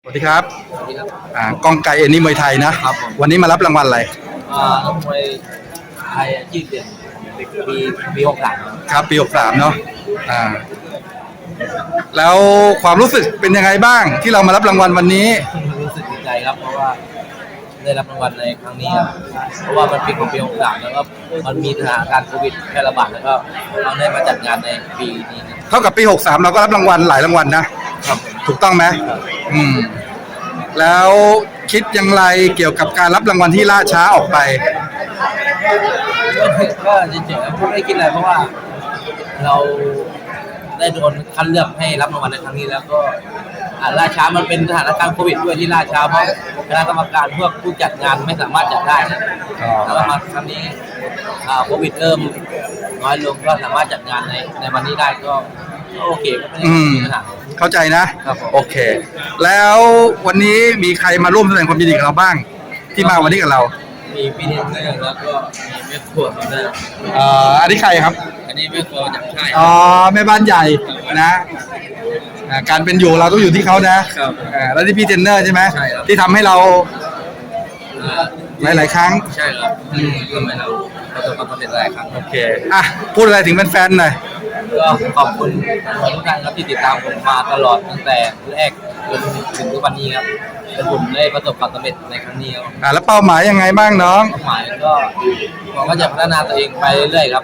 สวัสดีครับสวัสดีครับกองไก่เอ็นนี่มวยไทยนะครับผมวันนี้มารับรางวัลอะไรนักมวยไทยชื่อเด่นปี63 ครับปี63เนาะแล้วความรู้สึกเป็นยังไงบ้างที่เรามารับรางวัลวันนี้รู้สึกดีใจครับเพราะว่าได้รับรางวัลในครั้งนี้ครับเพราะว่ามันเป็นของปี63แล้วก็มันมีสถานการณ์โควิดแพร่ระบาดแล้วก็เราได้มาจัดงานในปีนี้เท่ากับปี63เราก็รับรางวัลหลายรางวัลนะครับถูกต้องไหมแล้วคิดอย่างไรเกี่ยวกับการรับรางวัลที่ล่าช้าออกไปก็จริงๆไม่ได้คิดอะไรเพราะว่าเราได้โดนคัดเลือกให้รับรางวัลในครั้งนี้แล้วก็ล่าช้ามันเป็นสถานการณ์โควิดด้วยที่ล่าช้าเพราะคณะกรรมการพวกผู้จัดงานไม่สามารถจัดได้นะแล้วมาครั้งนี้โควิดเริ่มน้อยลงก็สามารถจัดงานในวันนี้ได้ก็โอเคก็ไม่ได้มีปัญหาเข้าใจนะครับโอเคแล้ววันนี้มีใครมาร่วมแสดงความยินดีกับเราบ้างที่มาวันนี้กับเรามีพี่เทนเนอร์แล้วก็มีแม่ครัวมาด้วยอันนี้ใครครับอันนี้แม่ครัวจากค่ายแม่บ้านใหญ่นะการเป็นอยู่เราต้องอยู่ที่เขานะแล้วที่พี่เทนเนอร์ใช่ไหมที่ทำให้เราหลายครั้งใช่ครับทำให้เราประสบความสำเร็จหลายครั้งโอเคพูดอะไรถึงแฟนๆหน่อยก็ขอบคุณทุกท่านครับที่ติดตามผมมาตลอดตั้งแต่แรกจนถึงทุกวันนี้ครับและผมได้ประสบความสำเร็จในครั้งนี้ครับแล้วเป้าหมายยังไงบ้างน้องเป้าหมายก็ผมก็จะพัฒนาตัวเองไปเรื่อยๆครับ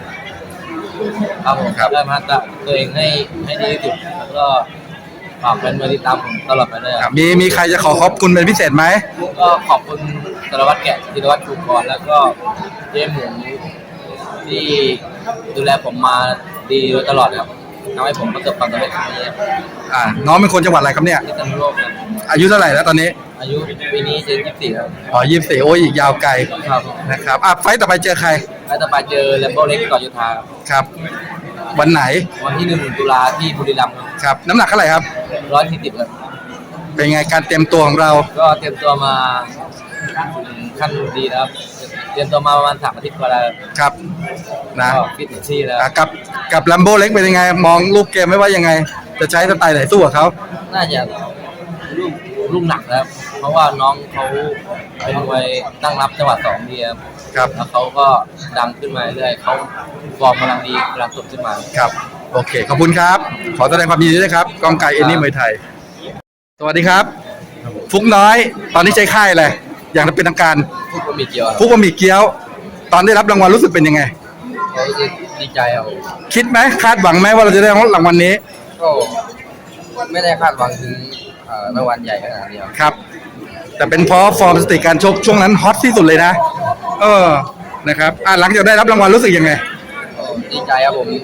ผมได้พัฒนาตัวเองให้ดีที่สุดแล้วก็ฝากแฟนๆติดตามผมตลอดไปเลยมีใครจะขอบคุณเป็นพิเศษไหมก็ขอบคุณสารวัตรแกะธีรวัตรชูกรแล้วก็เจ๊หมูที่ดูแลผมมาดีโดยตลอดครับทำให้ผมประสบความสำเร็จครั้งนี้น้องเป็นคนจังหวัดอะไรครับเนี่ยพิษณุโลกครับอายุเท่าไหร่แล้วตอนนี้อายุปีนี้จะ24ครับ 24โอ้ยอีกยาวไกลนะครับไฟต์ต่อไปเจอใครไฟต์ต่อไปเจอแลมโบ้เล็กต่อยุทธาครับวันไหนวันที่1 ตุลาที่บุรีรัมย์ครับน้ำหนักเท่าไหร่ครับ 140ครับเป็นไงการเตรียมตัวของเราก็เตรียมตัวมาขั้นดีนะครับเตรียมตัวมาประมาณ3 อาทิตย์กว่าแล้วครับนะฟิตที่แล้วกับลัมโบ้เล็กเป็นยังไงมองรูปเกมไม่ว่ายังไงจะใช้สไตล์ไหนสู้กับเขาน่าจะลูกหนักครับเพราะว่าน้องเขาเป็นมวยตั้งรับจังหวะ2ดีครับแล้วเขาก็ดังขึ้นมาเรื่อยเขาฟอร์มกำลังดีกำลังสดขึ้นมาครับโอเคขอบคุณครับขอแสดงความยินดีด้วยครับกองไก่เอ็นนี่มวยไทยสวัสดีครับฟุกน้อยตอนนี้ใจค่ายอะไรอย่างเป็นทางการฟุกบะหมี่เกี๊ยวตอนได้รับรางวัลรู้สึกเป็นยังไงดีใจครับคิดไหมคาดหวังไหมว่าเราจะได้รางวัลนี้ก็ไม่ได้คาดหวังถึงรางวัลใหญ่ขนาดนี้ครับแต่เป็นเพราะฟอร์มสติการชกช่วงนั้นฮอตที่สุดเลยนะนะครับหลังจากได้รับรางวัลรู้สึกยังไงดีใจครับผม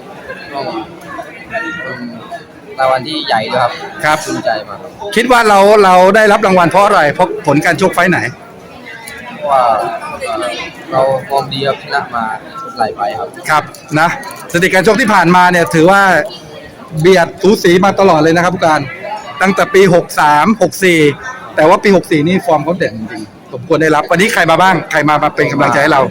รางวัลที่ใหญ่ด้วยครับภูมิใจมากคิดว่าเราได้รับรางวัลเพราะอะไรเพราะผลการชกไฟไหนว่าเราฟอร์มดีครับชนะมาหลายไฟครับนะสถิติการชกที่ผ่านมาเนี่ยถือว่าเบียดสูสีมาตลอดเลยนะครับผู้การตั้งแต่ปี63 64แต่ว่าปี64นี่ฟอร์มเขาเด่นจริงๆสมควรได้รับวันนี้ใครมาบ้างใครมาเป็นกำลังใจให้เรา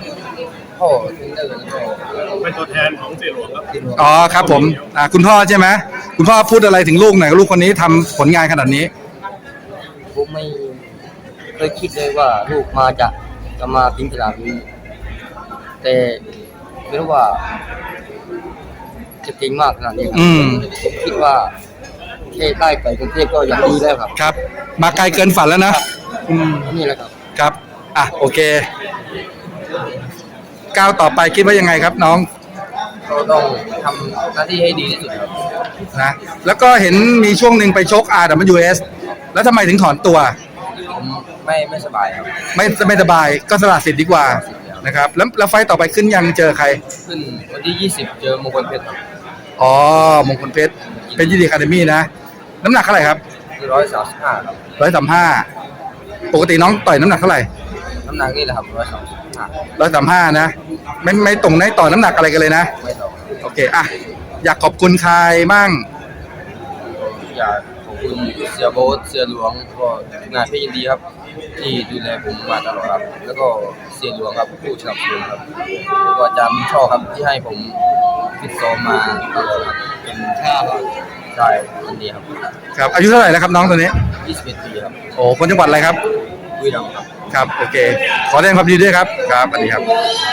เป็นตัวแทนของเสี่ยหลวงครับครับผมคุณพ่อใช่ไหมคุณพ่อพูดอะไรถึงลูกหน่อยลูกคนนี้ทำผลงานขนาดนี้ผมไม่เคยคิดเลยว่าลูกมาจะมาถึงขนาดนี้แต่ไม่รู้ว่าจะเก่งมากขนาดนี้คิดว่าแค่ได้ไปกรุงเทพก็ยังดีแล้วครับมาไกลเกินฝันแล้วนะนี่แหละครับโอเคก้าวต่อไปคิดว่ายังไงครับน้องเราต้องทำหน้าที่ให้ดีที่สุดนะแล้วก็เห็นมีช่วงหนึ่งไปชก RWS แล้วทำไมถึงถอนตัวผมไม่สบายครับไม่สบายก็สละสิทธิ์ดีกว่านะครับแล้วไฟต่อไปขึ้นยังเจอใครขึ้นวันที่20เจอมงคลเพชรมงคลเพชรเป็นยีดีอะคาเดมี่นะน้ำหนักเท่าไหร่ครับ 135ครับ 135ปกติน้องต่อยน้ำหนักเท่าไหร่น้ำหนักนี่แหละครับ 135นะไม่ตรงไหนต่อน้ำหนักอะไรกันเลยนะไม่ตรงโอเคอยากขอบคุณใครมั่งอยากขอบคุณเสียโบ๊ทเสียหลวงก็งานพี่ยินดีครับที่ดูแลผมมาตลอดครับแล้วก็เสียหลวงครับผู้สนับสนุนครับแล้วก็อาจารย์ช่อครับที่ให้ผมฟิตซ้อมมาตลอดครับเป็นค่าใช่คนนี้ครับครับอายุเท่าไหร่แล้วครับน้องตัวนี้ 21 ปีครับโอ้คนจังหวัดอะไรครับบุรีรัมย์ครับครับโอเคขอแสดงความยินดีด้วยครับครับสวัสดีครับ